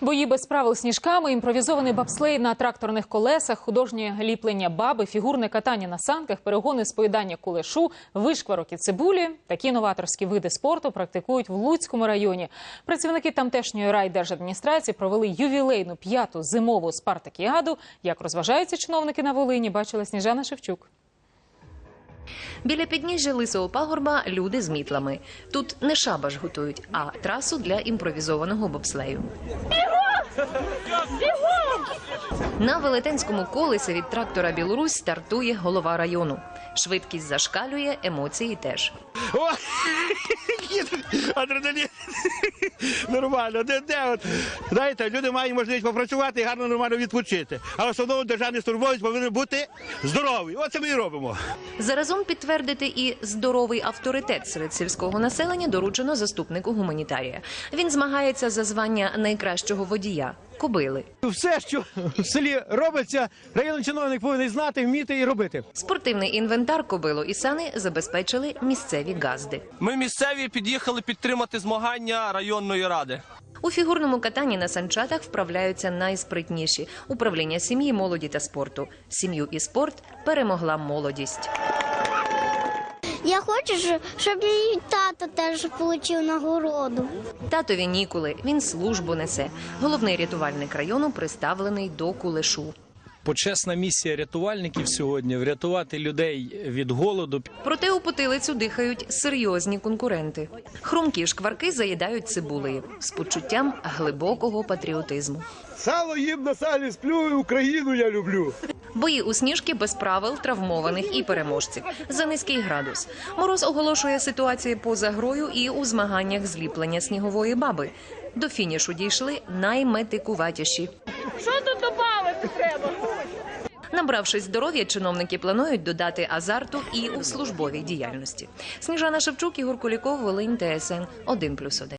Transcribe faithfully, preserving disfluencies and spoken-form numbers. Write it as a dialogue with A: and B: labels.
A: Бої без правил сніжками, імпровізований бобслей на тракторних колесах, художнє ліплення баби, фігурне катання на санках, перегони з поїдання кулешу, вишкварок і цибулі. Такі новаторські види спорту практикують в Луцькому районі. Працівники тамтешньої райдержадміністрації провели ювілейну п'яту зимову спартакіаду. Як розважаються чиновники на Волині, бачила Сніжана Шевчук.
B: Біля підніжжя Лисого пагорба люди з мітлами. Тут не шабаш готують, а трасу для імпровізованого бобслею. На велетенському колесі від трактора «Білорусь» стартує голова району. Швидкість зашкалює, емоції теж.
C: О, адреналін. Нормально. Де, де, от. Знаєте, люди мають можливість попрацювати і гарно, нормально відпочити. А в основному державний службовець повинен бути здоровий. Оце ми і робимо.
B: Заразом підтвердити і здоровий авторитет серед сільського населення доручено заступнику гуманітарія. Він змагається за звання найкращого водія – кобили.
D: Все, що в селі робиться, районний чиновник повинен знати, вміти і робити.
B: Спортивний інвентар, кобилу і сани забезпечили місцеві газди.
E: Ми місцеві під'їхали підтримати змагання районної ради.
B: У фігурному катанні на санчатах вправляються найспритніші – управління сім'ї, молоді та спорту. Сім'ю і спорт перемогла молодість.
F: Я хочу, щоб мій тато теж отримав нагороду.
B: Татові ніколи, він службу несе. Головний рятувальник району приставлений до кулешу.
G: Почесна місія рятувальників сьогодні – врятувати людей від голоду.
B: Проте у потилицю дихають серйозні конкуренти. Хрумкі шкварки заїдають цибулею з почуттям глибокого патріотизму.
D: Сало їм на салі сплю, Україну я люблю.
B: Бої у сніжки без правил, травмованих і переможців. За низький градус. Мороз оголошує ситуацію поза грою і у змаганнях зліплення снігової баби. До фінішу дійшли найметикуватіші.
H: Що тут додати треба?
B: Набравшись здоров'я, чиновники планують додати азарту і у службовій діяльності. Сніжана Шевчук, Ігор Куліков, Волинь, Т С Н один плюс один.